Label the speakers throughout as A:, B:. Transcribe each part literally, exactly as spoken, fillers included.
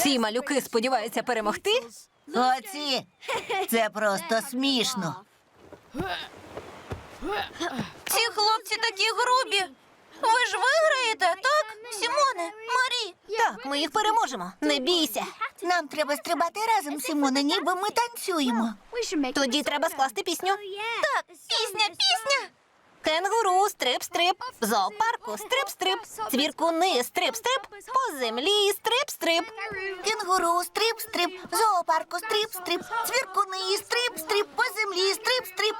A: Ці малюки сподіваються перемогти?
B: Оці! Це просто смішно.
C: Ці хлопці такі грубі. Ви ж виграєте, так? Сімоне, Марі.
A: Так, ми їх переможемо. Не бійся.
B: Нам треба стрибати разом, Сімоне, ніби ми танцюємо.
A: Тоді треба скласти пісню.
C: Так, пісня, пісня.
A: Кенгуру, стрип-стрип, в зоопарку, стрип-стрип, цвіркуни, стрип-стрип, по землі, стрип-стрип.
B: Кенгуру, стрип-стрип, в зоопарку, стрип-стрип, цвіркуни, стрип-стрип, по землі, стрип-стрип.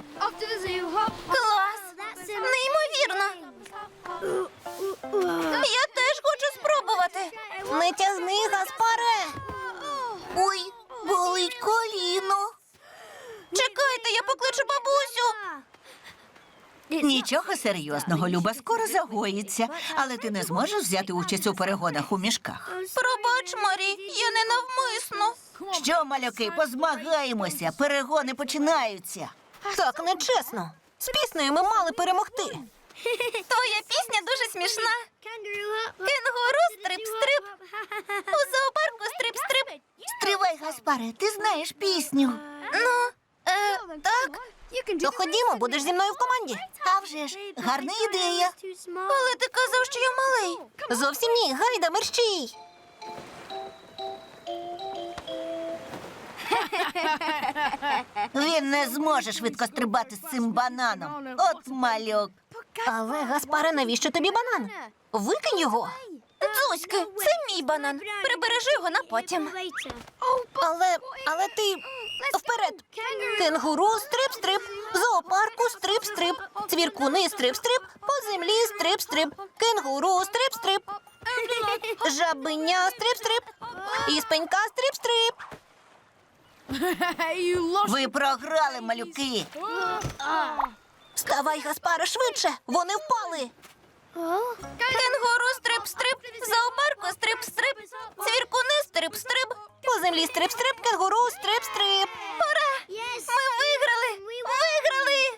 C: Клас! Неймовірно. Я теж хочу спробувати.
A: Не тягни, Гаспаре.
B: Ой, болить коліно.
C: Чекайте, я покличу бабусю.
B: Нічого серйозного, Люба, скоро загоїться. Але ти не зможеш взяти участь у перегонах у мішках.
C: Пробач, Марі, я не навмисно.
B: Що, малюки, позмагаємося, перегони починаються.
A: Так нечесно. З піснею ми мали перемогти.
C: Твоя пісня дуже смішна. Кенгуру, стрип-стрип. У зоопарку стрип-стрип.
B: Стривай, Гаспаре, ти знаєш пісню.
C: Ну, е, так,
A: То ходімо, будеш зі мною в команді.
B: А вже ж, гарна ідея.
C: але ти казав, що я малий.
A: Зовсім ні, гайда, мерщій.
B: Він не зможе швидко стрибати з цим бананом. От малюк.
A: Але, Гаспаре, навіщо тобі банан? Викинь його.
C: Дзуськи, це мій банан. Прибережи його на потім.
A: Але, але ти... Вперед! Кенгуру, стрип-стрип, в зоопарку, стрип-стрип, цвіркуни, стрип-стрип, по землі, стрип-стрип, кенгуру, стрип-стрип, жабеня, стрип-стрип, і спенька, стрип-стрип.
B: Ви програли, малюки.
A: Вставай, Гаспаре, швидше, вони впали.
C: Кенгуру, стрип-стрип, в зоопарку стрип-стрип, цвіркуни, стрип-стрип,
A: По землі, стрип-стрип, кенгуру, стрип-стрип.
C: по